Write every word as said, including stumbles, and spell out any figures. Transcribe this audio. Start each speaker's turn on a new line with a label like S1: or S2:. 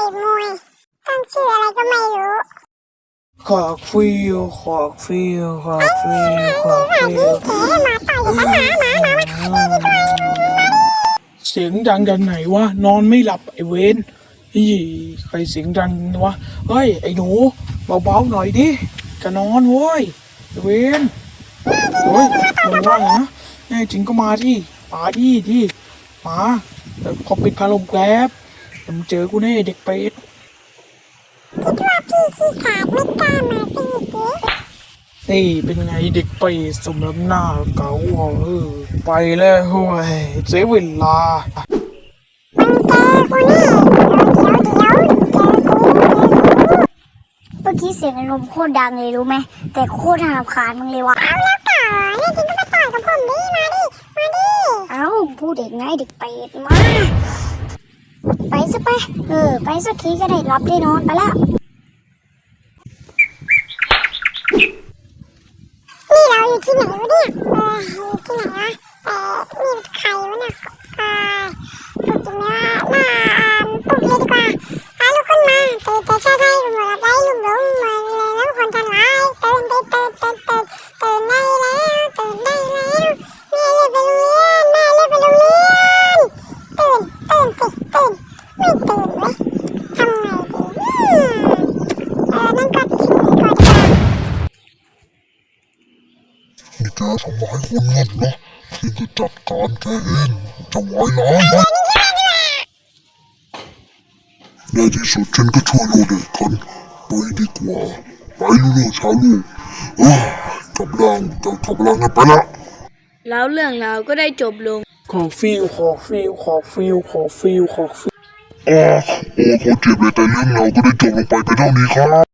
S1: มวยตั้งชื่ออะไรก็ไม่รู้
S2: ขอกฟิวขอกฟิวขอกฟิวขอกฟิว
S1: เจ๊หมาต่อยฉันหมาหมาหมามานี่ดีกว่ามาดิ
S2: เสียงดังจากไหนวะนอนไม่หลับไอเวนยี่ใครเสียงดังวะเฮ้ยไอหนูเบาๆหน่อยดิจะนอนเว้ยไอเวนเฮ้ยมึงว่าไงนะแน่จริงก็มาที่มาที่ที่มาแต่พอปิดพัดลมแป๊บเดี๋ยวมึงเจอกูแน่เด็กเป็ด
S1: คิดว่าพี่ขี้ขาดไม่กล้ามาสิเจ๊
S2: นี่เป็นไงเด็กเป็ดสมน้ำหน้าเก่าอ่ะเออไปแล้วเฮ้ยเสียเวลา
S1: มันเจอกูนี่เดี๋ยวเดี๋ยวเดี๋ยวเจอกูเจอกูเมื่อกี้เสียงลมโคตรดังเลยรู้ไหมแต่โคตรน่ารำคาญมึงเลยว่ะเอาแล้วต่อเนี่ยจริงก็มาต่อยกับผมดิมาดิมาดิเอ้าพูดเด็กไงเด็กเป็ดมาไปซะไปเออไปสักทีก็ได้รับได้นอนไปแล้วนี่เราอยู่ที่ไหนวะเนี่ยเอออยู่ที่ไหนวะแต่นี่ใครวะเนี่ยเออปลุกจริงไหมวะน่าปลุกเลยดีกว่าพาลูกขึ้นมาตื่นแต่เช้าได้หลุมหลับได้หลุมหลงมาเลยแล้วคนทันร้ายตื่นตื่นตื่นตื่นตื่นตื่นได้แล้วตื่นได้แล้วแม่เรียกไปโรงเรียนแม่เรียกไปโรงเรียนตื่นตื่นสิตื่นไม่ตื่นเว้ยทำไงดีอืมเออนั่นก็ชิมดีกว่าดีกว่า
S3: นี่แกทำร้ายคนงั้นเหรอฉันจะจัดการแกเองจะไว้ร้ายนะในที่สุดฉันก็ช่วยโลเด็กคนไปดีกว่าไปลูกๆชาวลูกเออกำลังจะกำลังกันไปละ
S4: แล้วเรื่องราวก็ได้จบลง
S2: ขอฟิวขอฟิวขอฟิวขอฟิวขอฟิว
S3: อ๋อโอ้เขาเจ็บเลยแต่เรื่องเราก็ได้จบลงไปเป็นเท่านี้ครับ